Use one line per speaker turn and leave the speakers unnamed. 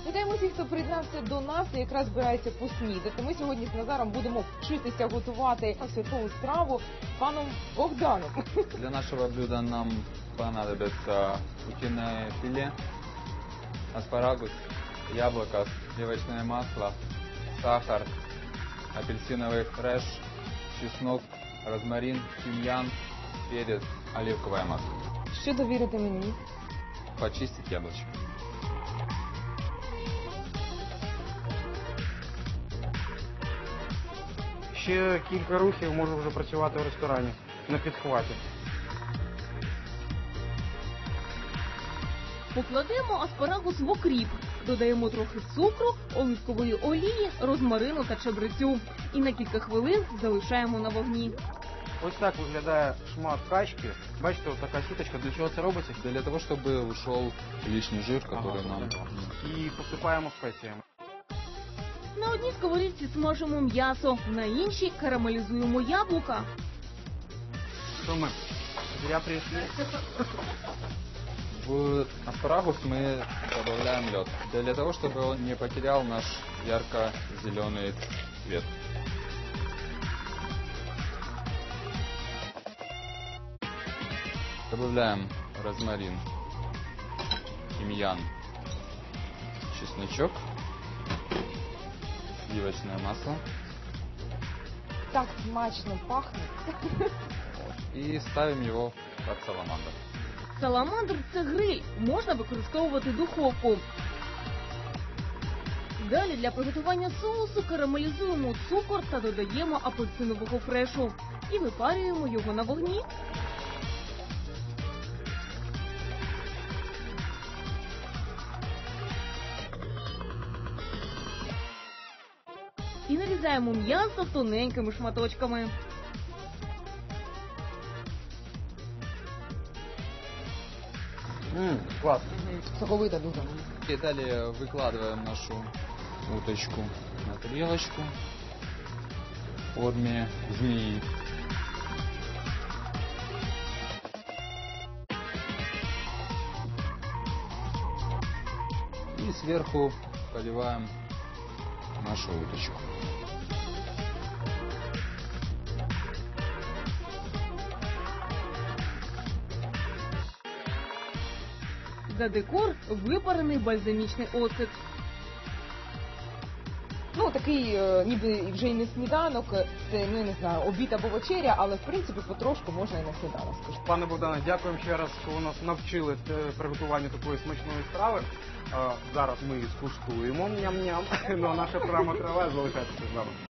Вітаємо всіх, хто приєднався до нас і якраз збирається поснідати. Ми сьогодні з Назаром будемо вчитися готувати святкову страву паном Богданом.
Для нашего блюда нам понадобится утиное филе, аспарагус, яблоко, сливочное масло, сахар, апельсиновый фреш, чеснок, розмарин, тимьян, перец, оливковое масло.
Що довірити мені?
Почистить яблочко.
Ще кілька рухів можу вже працювати в ресторані на підхваті.
Покладемо аспарагус в окріп, додаємо трохи цукру, оливкової олії, розмарину та чабрецю. І на кілька хвилин залишаємо на вогні.
Ось так виглядає шмат качки. Бачите, ось така сіточка. Для чого це робиться?
Для того, чтобы ушел лишний жир, который нам...
І посипаємо спеціями.
На одній сковорідці смажимо м'ясо, на іншій карамелізуємо яблука.
Що ми? Зря прийшли.
В аспарагус мы добавляем лед, для того, чтобы он не потерял наш ярко-зеленый цвет. Добавляем розмарин, тимьян, чесночок, сливочное масло
Так смачно пахне.
и ставим его под саламандр.
Саламандр – це гриль, можна використовувати духовку. Далі для приготування соусу карамелізуємо цукор та додаємо апельсинового фрешу. І випарюємо його на вогні. І нарізаємо м'ясо тоненькими шматочками.
Клас.
Соковита дуже.
И далее выкладываем нашу уточку на тарелочку в форме змеи. И сверху поливаем нашу уточку.
За декор випарений бальзамічний оцет.
Ну, такий, ніби вже й не сніданок, це, ну, я не знаю, обід або вечеря, але, в принципі, потрошку можна і на сніданок, скажу.
Пане Богдане, дякуємо ще раз, що ви нас навчили приготуванню такої смачної страви. Зараз ми її скуштуємо. Ням-ням. Ну а наша програма триває. Залишайтеся з нами.